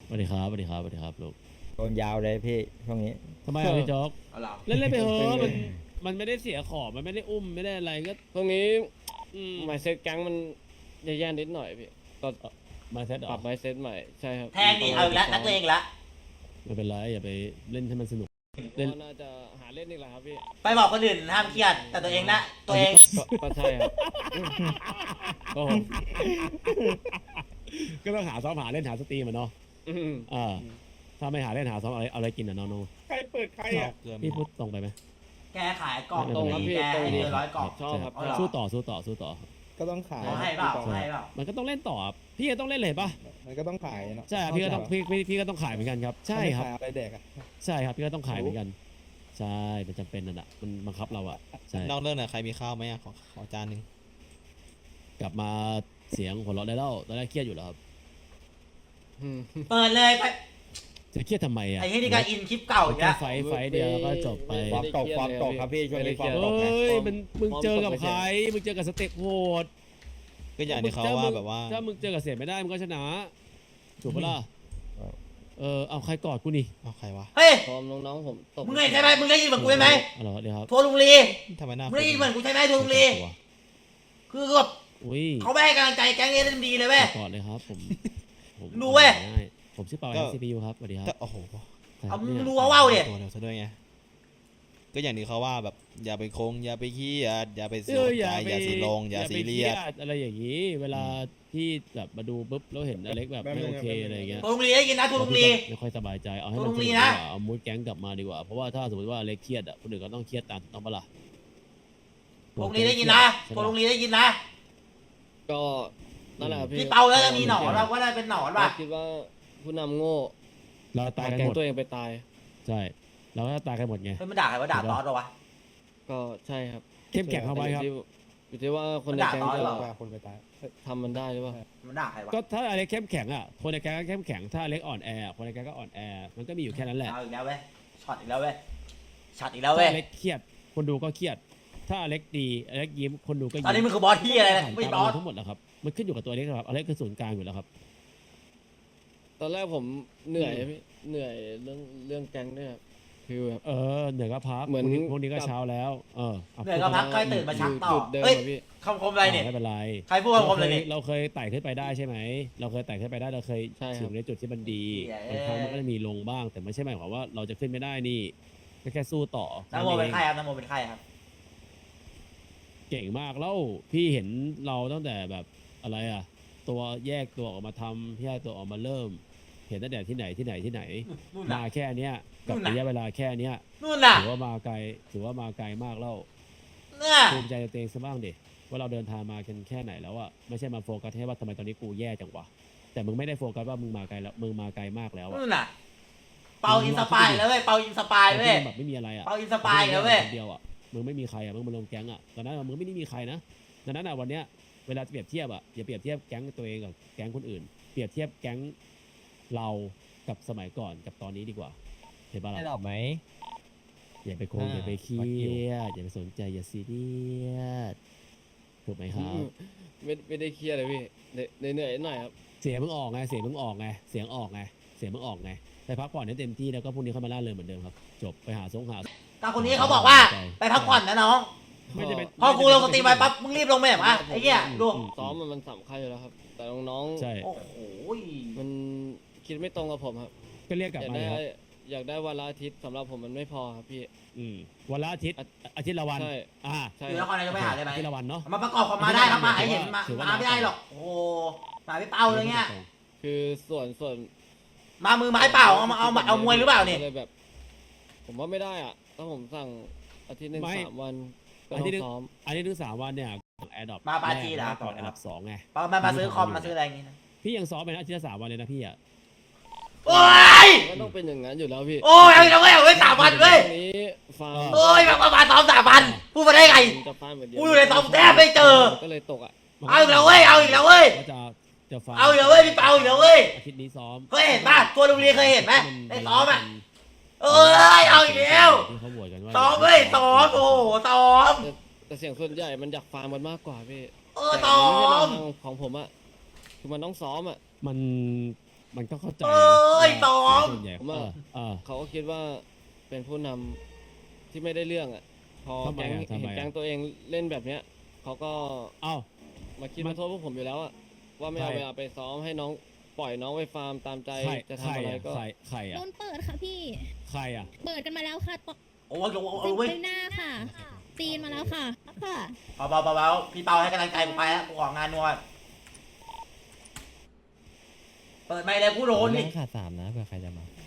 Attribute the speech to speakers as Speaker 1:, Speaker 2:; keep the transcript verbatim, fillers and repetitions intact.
Speaker 1: สวัสดีครับสวัสดีครับสวัสดีครับลูก
Speaker 2: โดนยาวเลยพี่ช่วงนี้
Speaker 1: ทำไมอ่ะพี่โจ๊ก
Speaker 3: เอาเหรอ
Speaker 1: เล่นเล่นไปเถอะมันมันไม่ได้เสียของมันไม่ได้อุ้มไม่ได้อะไรก็
Speaker 4: ตรงนี้
Speaker 1: อืม
Speaker 4: ไมเซ็ตแก๊งมันแย่ๆนิดหน่อยพี่ก็
Speaker 1: มาเซตหร
Speaker 4: ปรั
Speaker 1: อบ
Speaker 4: ไมเซ็ตใหม่ใช่ครับ
Speaker 3: แทงดิเอาอีกแล้วนักเลงอีกแล้ว
Speaker 1: ไม่เป็นไรอย่าไปเล่นให้มันสนุก เล่
Speaker 4: เล่
Speaker 1: น
Speaker 4: นน่าจะหาเล่นอีกแล้วครับพี่
Speaker 3: ไปบอกคนอื่นห้ามเครียดแต่ตัวเองนะตัวเอง
Speaker 4: ก็ก็ใช่ครับก็ผม
Speaker 1: ก็ต้องหาซ้อมหาเล่นหาสตรีมอ่ะเนาะ
Speaker 4: อืม
Speaker 1: อ่าถ้าไม่หาเล่นหาซ้อมเอาอะไรเอาอะไรกินอ่ะน้อง
Speaker 2: ใครเปิดใครอ่ะ
Speaker 1: ๆพี่พูดตรงไปไหม
Speaker 3: แกขายกล่อง
Speaker 4: ตรงครับพี่
Speaker 3: แก
Speaker 4: ตรง
Speaker 3: ให้
Speaker 4: ดี
Speaker 3: เดือนร้อยกล่อง
Speaker 4: ชอบครับ
Speaker 3: เอาเหรอ
Speaker 1: สู้ต่อสู้ต่อสู้ต่อ
Speaker 2: ก็ต้องขาย
Speaker 3: เขาให้เปล่าเขาให้เปล่า
Speaker 1: มันก็ต้องเล่นต่อครับพี่ก็ต้องเล่นเลยป่ะ
Speaker 2: มันก็ต้องขายเนาะ
Speaker 1: ใช่ครับพี่ก็ต้องพี่พี่พี่ก็ต้องขายเหมือนกันครับใช่ครับ
Speaker 2: ขายอะไรแดกอ่ะ
Speaker 1: ใช่ครับพี่ก็ต้องขายเหมือนกันใช่มันจำเป็นนั่นแหละมันบังคับเราอ่ะใช่
Speaker 5: นอกเรื่องหน่อยใครมีข้าวไหมอะขอขอจานหนึ่ง
Speaker 1: กลับมาเสียงหัวเราะได้แล้วตอนแรกเครียดอยู่แล้วครับ
Speaker 4: อืม
Speaker 3: เปิดเลยไป
Speaker 1: จะเครียดทำไมอ่ะ
Speaker 3: ไอ้ที่นี่ก็อินคลิปเก่าอีก
Speaker 1: แค่
Speaker 3: แล้ว
Speaker 1: ไฟไฟเดียวแล้วก็จบไป
Speaker 2: ความตกความตกครับพี่ช่วงนี้ความตก
Speaker 1: เฮ้
Speaker 2: นะ
Speaker 1: ยมันมึงเจอกับใครมึงเจอกับสเต็ปโหด
Speaker 5: ก็อย่างที่เขาว่าแบบว่า
Speaker 1: ถ้ามึงเจอกับเสียไม่ได้มึงก็ชนะถูกปะล่ะเออเอาใครกอดกูนี่
Speaker 5: เอาใครวะ
Speaker 3: เฮ้ย
Speaker 4: พร้อมน้องๆผมตบ
Speaker 3: มึงเห็นใช่ไหมมึงได้ยินเหมือนกูใช่ไหม
Speaker 1: อ๋อเหรอเดี๋ยวครับ
Speaker 3: ทัวร์ลุงลี
Speaker 5: ทำไมหน้า
Speaker 3: มึงได้ยินเหมือนกูใช่ไหมทัวร์ลุงลีคือแบบ
Speaker 1: อุ้ย
Speaker 3: เขาไม่ให้กำลังใจแก๊งเอ็นดีเลยเว้ย
Speaker 1: กอดเลยครับผมผม
Speaker 3: รู้เว้ย
Speaker 1: ได้ผมชื่อเปาเอซีพียูครับสวัสดีครับ
Speaker 5: ก็โอ้โห
Speaker 3: เอามึง
Speaker 1: เนี่ย
Speaker 3: รู้ว่าว่าวดิ
Speaker 5: ตัวเร็วซะด้วยไงก็อย่างที่เขาว่าแบบอย่าไปคงอย่าไปขี้อย่าอย่าไป
Speaker 1: เอ
Speaker 5: เสีย
Speaker 1: อ
Speaker 5: ใจ
Speaker 1: อย่าไป
Speaker 5: อย่าสีลงอย่าซีเรียส
Speaker 1: ไปอะไรอย่างนี้ เวลาที่แบบมาดูปุ๊บแล้วเห็นอเล็กแบบไม่โอเคอะไรอย่างเงี้ย
Speaker 3: ทัวร์ลุงลีได้ยินนะทัวร์ลุงลี
Speaker 1: ไม่ค่อยสบายใจเอาให้
Speaker 3: ต
Speaker 1: มัน
Speaker 3: รง
Speaker 1: สนุก
Speaker 3: นี้
Speaker 1: ดี
Speaker 3: นะ
Speaker 1: กว่าเอามูดแก๊งกลับมาดีกว่าเพราะว่าถ้าสมมติว่าอเล็กเครียดอ่ะคนอื่นก็ต้องเครียดตามถูกต้องปะล่ะ
Speaker 3: ทัวร์ลุงลีได้ยินนะทัวร์ลุงลีได้ยินนะ
Speaker 4: ก็นั่นแหละครับพี่
Speaker 3: พี่เปาแล้วจะมีหนอนว่าว่าได้เป็นหนอนป่ะ
Speaker 4: คิดว่าผู้นำโง่
Speaker 1: เราตายกัน
Speaker 4: แก๊
Speaker 1: ห
Speaker 4: ง
Speaker 1: มด
Speaker 4: ตัวเองไปตาย
Speaker 1: ใช่เราก็ตายกันหมดไง
Speaker 3: เฮ้ยมันด่าใครว่าด่าตอสเหรอวะ
Speaker 4: ก็ใช่ครับ
Speaker 1: เข้มแข็งเข้าไว้ครับ
Speaker 4: อยู่ที่อยู่ที่ว่าคนในแก๊ง
Speaker 3: มันด่าตอน
Speaker 4: จะ
Speaker 3: เหรอ
Speaker 2: ว่าคนไปตาย
Speaker 4: ทำมันได้หรือเปล่า
Speaker 3: มันด่าใครวะ
Speaker 1: ก็ถ้าอเล็กเข้มแข็งอ่ะคนในแก๊งก็เข้มแข็งถ้าอเล็กอ่อนแอคนในแก๊งก็อ่อนแอมันก็มีอยู่แค่นั้นแหละ
Speaker 3: เอาอีกแล้วเว้ยช็อตอีกแล้วเว้ยช็อตอีกแล้ว
Speaker 1: ถ้า
Speaker 3: เว้ย
Speaker 1: อเล็กเครียดคนดูก็เครียด ถ้าอเล็กดีอเล็กยิ้มคนดูก็
Speaker 3: ต
Speaker 1: ยิ้ม
Speaker 3: อนนี้มึงคือบอสที่อะไรนะไม่
Speaker 1: ตาม
Speaker 3: บอส
Speaker 1: ทั้งหมดแหละครับมันขึ้นอยู่กับตัวอเล็กครับอเล็กคือศูนย์กลางอยู่แล้วครับ
Speaker 4: ตอนแรกผมเหนื่อยอะพี่เหนื่อยเรื่องเรื่องแก๊งด้วยครับคือแบบ
Speaker 1: เออเหนื่อยก็พัก
Speaker 4: เหมือน
Speaker 1: พรุ่งนี้พรุ่งนี้ก็
Speaker 4: กับ
Speaker 1: เช้าแล้วเอออา
Speaker 3: เหนื่อยก็พักค่อยตื่นมาชักต่อ
Speaker 4: จุดเดิม
Speaker 3: เฮ้ย
Speaker 4: อะพี่
Speaker 3: คำคมอะไรเนี่ย
Speaker 1: ไม่เป็นไร
Speaker 3: ใครพูดคำคมอะไรเนี่ย
Speaker 1: เราเคยไต่ขึ้นไปได้ใช่ไหม เราเคยไต่ขึ้นไปได้เราเคย
Speaker 4: ใช่ครับ
Speaker 1: ถึงในจุดที่มันดี
Speaker 3: เย้
Speaker 1: บางครั้งมันก็จะมีลงบ้าง แต่ไม่ใช่หมายความว่าเราจะขึ้นไม่ได้นี่ก็แค่สู้ต่อ
Speaker 3: น้ำโมเป็น
Speaker 1: อง
Speaker 3: ใครครับน้ำโมเป็นใครครับ
Speaker 1: เก่งมากแล้วพี่เห็นเราตั้งแต่แบบอะไรอ่ะ ตัวแยกตัวออกมาทำแยกตัวออกมาเริ่ม เห็นตั้งแต่ที่ไหนที่ไหนที่ไหน
Speaker 3: นู่น
Speaker 1: มา
Speaker 3: น่ะ
Speaker 1: แค่เนี้ยกับ
Speaker 3: นู่นน่ะ
Speaker 1: ระยะเวลาแค่เนี้ย
Speaker 3: นู่นน่ะ
Speaker 1: ถือว่ามาไกลถือว่ามาไกลมากแล้ว
Speaker 3: เนี่ย
Speaker 1: ภูมิใจในตัวเองซะบ้างดิว่าเราเดินทางมากันแค่ไหนแล้วอะไม่ใช่มาโฟกัสแค่ว่าทำไมตอนนี้กูแย่จังวะแต่มึงไม่ได้โฟกัสว่ามึงมาไกลแล้วมึงมาไกลมากแล้วอะ
Speaker 3: นู่นน่ะเปาอินสปายแล้วเว้ยเปาอินสปายเว้ย
Speaker 1: มึงแบบไม่มีอะไรอะ
Speaker 3: เปาอินสปายแล้วเว้ย
Speaker 1: คนเดียวอะมึงไม่มีใครอะมึงมาลงแก๊งอะตอนนั้นอะมึงไม่ได้มีใครนะดังนั้นอะวันเนี้ยเวลาจะเปรียบเทียบอะอย่าเปรียบเทียบแก๊งตัวเองกับแก๊งคนอื่น เปรียบเทียบแก๊งเรากับสมัยก่อนกับตอนนี้ดีกว่าเห็นปะ
Speaker 2: ได้
Speaker 1: ล่ะ
Speaker 2: ดอกไหม
Speaker 1: อย่าไปโคง
Speaker 2: อ่า
Speaker 1: อย่าไปเครี
Speaker 2: วัดอยู่
Speaker 1: ยดอย่าไปสนใจอย่าซีเรียสถูกไหมครับ
Speaker 4: ไม่ไม่ได้เครียดเลยพี่เหนื่อยเหนื่อยหน่อยครับ
Speaker 1: เสียงมึงออกไง เสียงมึงออกไง เสียงออกไง เสียงมึงออกไง ไปพักผ่อนให้เต็มที่แล้วก็พรุ่งนี้เข้ามาล่าเริงเหมือนเดิมครับ จบไปหาสงหา
Speaker 3: ตาคนนี้เขาบอกว่าไปพักผ่อนนะน้อง
Speaker 1: ไม่ได้เป็น
Speaker 3: พอกูลงสตรีมไปปั๊บมึงรีบลงไปแบบอ่ะไอ้เหี้ยดู
Speaker 4: ซ้อมมันมันสำคัญอยู่แล้วครับ แต่น้อง
Speaker 1: ใช่
Speaker 3: โอ้โห
Speaker 4: ๆมันคิดไม่ตรงกับผมครับ
Speaker 1: ก็เรียกกลับ
Speaker 4: อยาก
Speaker 1: มา
Speaker 4: ได้
Speaker 1: เลยครับ
Speaker 4: อยากได้วันละอาทิตย์สำหรับผมมันไม่พอครับพี่
Speaker 1: อืมวันละอาทิตย์ อาทิตย์ละวัน
Speaker 4: ใช่
Speaker 1: อ่า
Speaker 4: ใช่
Speaker 3: อยู่
Speaker 4: คน รับ
Speaker 3: ครนายกไปหาได้ไหม
Speaker 1: อาทิตย์ละวันเนาะ
Speaker 3: มาประกอบความมาได้ครับมาให้เห็นมา
Speaker 1: ถือว่า
Speaker 3: มาไม่ได้หรอกโอ้โหมาไม่เป้าเลยเงี้ย
Speaker 4: คือส่วนส่วน
Speaker 3: มามือไม้เปล่าเอามาเอามาเอามวยหรือเปล่าเนี่ย
Speaker 4: เลยแบบ ผมว่าไม่ได้อ่ะถ้าผมสั่งอาทิตย์หนึ่งสามวันก็ต้องซ้อม
Speaker 1: อันนี้ถึงสามวันเนี่ยแอร์ดรอป
Speaker 3: มาปาจีเหรอ
Speaker 1: ก่อนอันดับสองไง
Speaker 3: มามามาซื้อคอมมาซื้ออะไรอย่างงี้นะ
Speaker 1: พี่ยังซ้อมไปนะอาทิตย์ละสามวันเลยนะพี่อ่ะ
Speaker 3: โอ้ย
Speaker 4: ก็ต้องเป็นอย่างนั้นอยู่แล้วพี่
Speaker 3: โอ้ยเอาอีกแล้วเว้ยเอาไว้สามวันเว้ย
Speaker 4: ตรงนี้ฟาร์ม
Speaker 3: โอ้ยมามามาซ้อมสามวันพูดมาได้ไง
Speaker 4: ผมจะฟาร์มเหมือนเดิม
Speaker 3: กูอยู่ในซ้อมแทบไม่เจอ
Speaker 4: ก็เลยตกอ่ะ
Speaker 3: เอาอีกแล้วเว้ยเอาอีกแล้วเว้ย
Speaker 1: ก็จะจะฟัง
Speaker 3: เอาอีกแล้วเว้ยพี่เปาอีกแล้วเว้ย
Speaker 1: อาทิตย์นี้ซ้อม
Speaker 3: เคยเห็นป่ะตัวโรงเรียนเคยเห็นไหมในซ้อมอ่ะเอ้ยเอาอีกแล้ว
Speaker 1: ที่เขาโหวตกันว่า
Speaker 3: ซ้อมเว้ยซ้อมโอ้โหซ้อม
Speaker 4: แต่แต่เสียงส่วนใหญ่มันอยากฟาร์มมันมากกว่าพี่
Speaker 3: เออ
Speaker 4: แต่
Speaker 3: ซ้อ
Speaker 4: มันไม่ใช่
Speaker 3: ม
Speaker 4: ทางของผมอ่ะคือมันต้องซ้อมอ่ะ
Speaker 1: มันมันก็เข้าใจ
Speaker 3: เอ้ย
Speaker 1: นะ
Speaker 3: ตอม
Speaker 1: ส่วนใหญ่
Speaker 4: ผม
Speaker 1: เอ
Speaker 4: ว่า
Speaker 1: อเออ
Speaker 4: เขาก็คิดว่าเป็นผู้นำที่ไม่ได้เรื่องอ่ะ พอ
Speaker 1: ทำไม
Speaker 4: แก๊ง
Speaker 1: อะทำไม
Speaker 4: เห็น
Speaker 1: อะ
Speaker 4: แก๊งตัวเองเล่นแบบเนี้ยเขาก็
Speaker 1: เอ้า
Speaker 4: มาคิด
Speaker 1: มัน
Speaker 4: มาโทษพวกผมอยู่แล้วอ่ะว่าไม่เอา
Speaker 1: ใคร
Speaker 4: เวลาไปซ้อมให้น้องปล่อยน้องไปฟาร์มตามใจ
Speaker 1: ใคร
Speaker 4: จะ
Speaker 1: ใคร
Speaker 4: ทำอะไร
Speaker 1: อะ
Speaker 4: ก็
Speaker 1: ใครใคร
Speaker 6: โด
Speaker 1: อะ
Speaker 6: นเปิดค่ะพี่
Speaker 1: ใครอะ
Speaker 6: เปิดกันมาแล้วค่ะต
Speaker 3: โอ้ยโอ้ยโอ้ยเว้ย
Speaker 6: ไปหน้าค่ะ ตีนมาแล้วค่ะ ค่ะ
Speaker 3: เบาเบาเบาเบาพี่เปาให้กำลังใจกูไปแล้วกูออกงานนวดเปิดไม่เลยกูโดนดิ
Speaker 7: ขาดสามนะเผื่อใครจะมา